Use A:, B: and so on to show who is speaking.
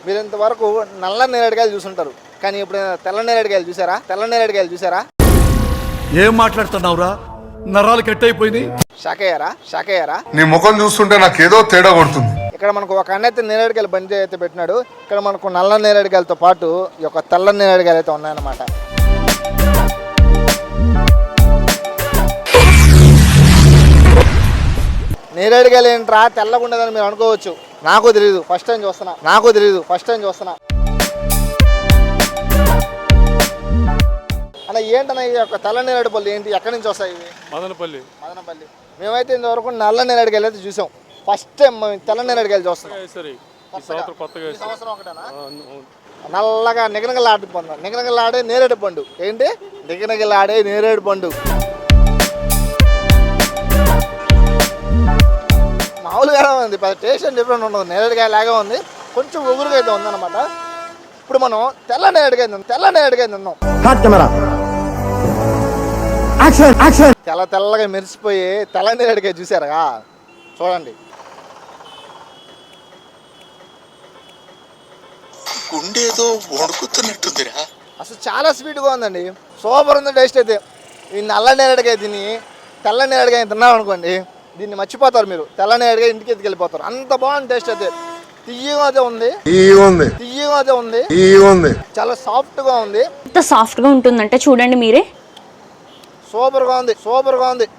A: మీరు ఇంతవరకు నల్ల నేరేడుకాయలు చూసుంటారు, కానీ ఇప్పుడు తెల్ల నేరేడుకాయలు చూసారా? తెల్ల నేరేడుకాయలు చూసారా?
B: ఏం మాట్లాడుతున్నావురా? నరాలు కట్ అయిపోయింది.
A: షాక్ అయ్యారా?
C: నీ ముఖం చూస్తుంటే నాకేదో తేడా కొడుతుంది.
A: ఇక్కడ మనకు ఒక అన్న అయితే నేరేడుకాయలు బండి అయితే పెట్టినాడు. ఇక్కడ మనకు నల్ల నేరేడుకాయలతో పాటు ఈ యొక్క తెల్ల నేరేడుకాయలు అయితే ఉన్నాయన్నమాట. నేరేడుకాయలు ఏంట్రా తెల్లగా ఉండదని మీరు అనుకోవచ్చు. నాకు తెలియదు, ఫస్ట్ టైం చూస్తున్నా. అన్న ఏంటన్నా ఈ యొక్క తెల్ల నేరేడు పళ్ళు ఏంటి, ఎక్కడి నుంచి వస్తాయి ఇవి?
D: మదనపల్లి.
A: మేమైతే ఇంతవరకు నల్ల నేరేడుకాయలు అయితే చూసాం. ఫస్ట్ టైం మేము తెల్ల నేరేడుకాయలు చూస్తున్నాం. ఈ సంవత్సరం ఒకటేనా? నల్లగా నిగనగలాడే నేరేడు పండు. ఏంటి నిగనగలాడే నేరేడు పండు? మామూలుగా ఉంది, టేస్ట్ డిఫరెంట్ ఉండదు. నేరేడుకాయ లాగా ఉంది, కొంచెం ఉగురుగా అయితే ఉందన్నమాట. ఇప్పుడు మనం తెల్ల నేరేడుకాయ తిన్నాం. తెల్లగా మెరిసిపోయి తెల్ల నేరేడుకాయ చూసారా? చూడండి,
E: గుండేదో వణుకుతున్నట్టుందిరా.
A: అసలు చాలా స్వీట్గా ఉందండి, సూపర్ ఉంది టేస్ట్ అయితే. ఈ నల్ల నేరేడుకాయ తిని తెల్ల నేరేడుకాయ తిన్నాం అనుకోండి, దీన్ని మర్చిపోతారు మీరు. తెల్ల నేరేడుకాయ ఇంటికి ఎత్తుకెళ్ళిపోతారు, అంత బాగుంది టేస్ట్ అయితే. తియ్యగా అయితే ఉంది, చాలా సాఫ్ట్గా ఉంది.
F: ఎంత సాఫ్ట్గా ఉంటుందంటే చూడండి మీరే,
A: సూపర్గా ఉంది.